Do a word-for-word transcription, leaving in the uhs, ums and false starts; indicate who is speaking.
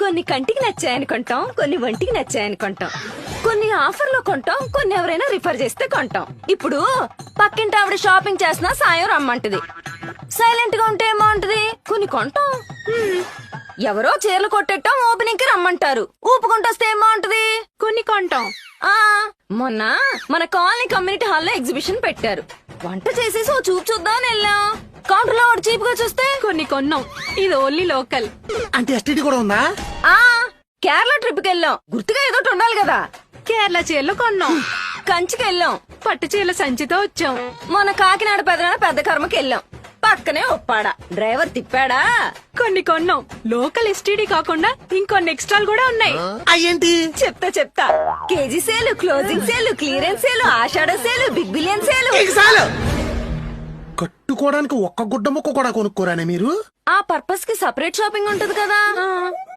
Speaker 1: కొన్ని కంటికి నచ్చాయని కొంటాం, కొన్ని ఒంటికి నచ్చాయని కొంటాం, కొన్ని ఆఫర్ లో కొంటాం, కొన్ని ఎవరైనా రిఫర్ చేస్తే కొంటాం. ఇప్పుడు పక్కింటి ఆవిడ షాపింగ్ చేసినా సాయం రమ్మంటది. సైలెంట్ గా ఉంటే ఏమంటది? కొన్ని కొంటాం. హ్మ్. ఎవరో చీరలు కొట్టేటం ఓపెనింగ్ కి రమ్మంటారు. ఊపుకుంటొస్తే ఏమంటది? కొన్ని కొంటాం. ఆ మొన్న మన కాలనీ కమ్యూనిటీ హాల్ లో ఎగ్జిబిషన్ పెట్టారు. వంట చేసేసి ఓ చూపు చూద్దామని వెళ్ళాం. కౌంటర్ లో చీప్ గా చూస్తే కొన్ని కొన్నాం. ఇది ఓన్లీ లోకల్.
Speaker 2: అంటే ఎస్టీడీ కూడా ఉందా?
Speaker 1: ఆ కేరళ ట్రిప్ కి వెళ్ళాం. గుర్తుగా ఏదో ఒకటి ఉండాలి కదా.
Speaker 3: కేరళ చీరలు కొన్నాం.
Speaker 1: కంచికి వెళ్ళాం.
Speaker 3: పట్టు చీరల సంచితో వచ్చాం.
Speaker 1: మన కాకినాడ పెదనాడ పెద్ద కర్మకి వెళ్ళాం. పక్కనే ఒప్పాడా డ్రైవర్ తిప్పాడా.
Speaker 3: కొన్ని కొన్నాం. లోకల్ ఎస్టీడీ కాకుండా ఇంకొన్ని ఎక్స్ట్రాలు కూడా ఉన్నాయి.
Speaker 2: అయ్యేంటి?
Speaker 1: చెప్తా చెప్తా. KG sale, closing sale, clearance sale, ఆషాఢ సేలు, బిగ్ బిలియన్ సేలు.
Speaker 2: చాలు. కట్టుకోవడానికి ఒక్క గుడ్డ ముక్క కూడా కొనుక్కోరానే మీరు?
Speaker 1: ఆ పర్పస్ కి సపరేట్ షాపింగ్ ఉంటది కదా.